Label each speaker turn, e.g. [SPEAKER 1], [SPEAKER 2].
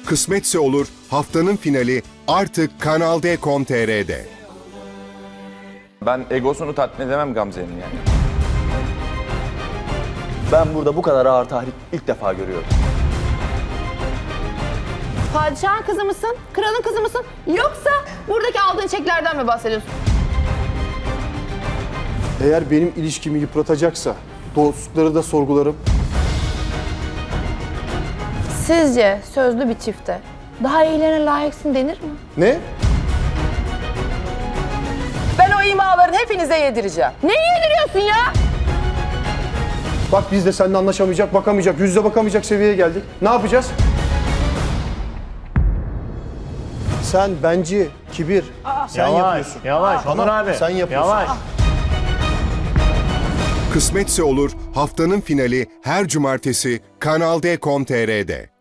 [SPEAKER 1] Kısmetse olur haftanın finali artık Kanal D.com.tr'de.
[SPEAKER 2] Ben egosunu tatmin edemem Gamze'nin yani.
[SPEAKER 3] Ben burada bu kadar ağır tahrik ilk defa görüyorum.
[SPEAKER 4] Padişahın kızı mısın? Kralın kızı mısın? Yoksa buradaki aldığın çeklerden mi bahsediyorsun?
[SPEAKER 5] Eğer benim ilişkimi yıpratacaksa dostlukları da sorgularım.
[SPEAKER 4] Sizce sözlü bir çifte daha iyilerine layıksın denir mi?
[SPEAKER 5] Ne?
[SPEAKER 6] Ben o imaların hepinize yedireceğim.
[SPEAKER 4] Neyi yediriyorsun ya?
[SPEAKER 5] Bak biz de seninle anlaşamayacak, bakamayacak, yüz yüze bakamayacak seviyeye geldik. Ne yapacağız? Sen benci, kibir, sen yapıyorsun.
[SPEAKER 7] Yavaş,
[SPEAKER 5] Tamam,
[SPEAKER 7] Onur abi.
[SPEAKER 5] sen yapıyorsun.
[SPEAKER 7] Yavaş.
[SPEAKER 1] Kısmetse olur haftanın finali her cumartesi Kanal D.com.tr'de.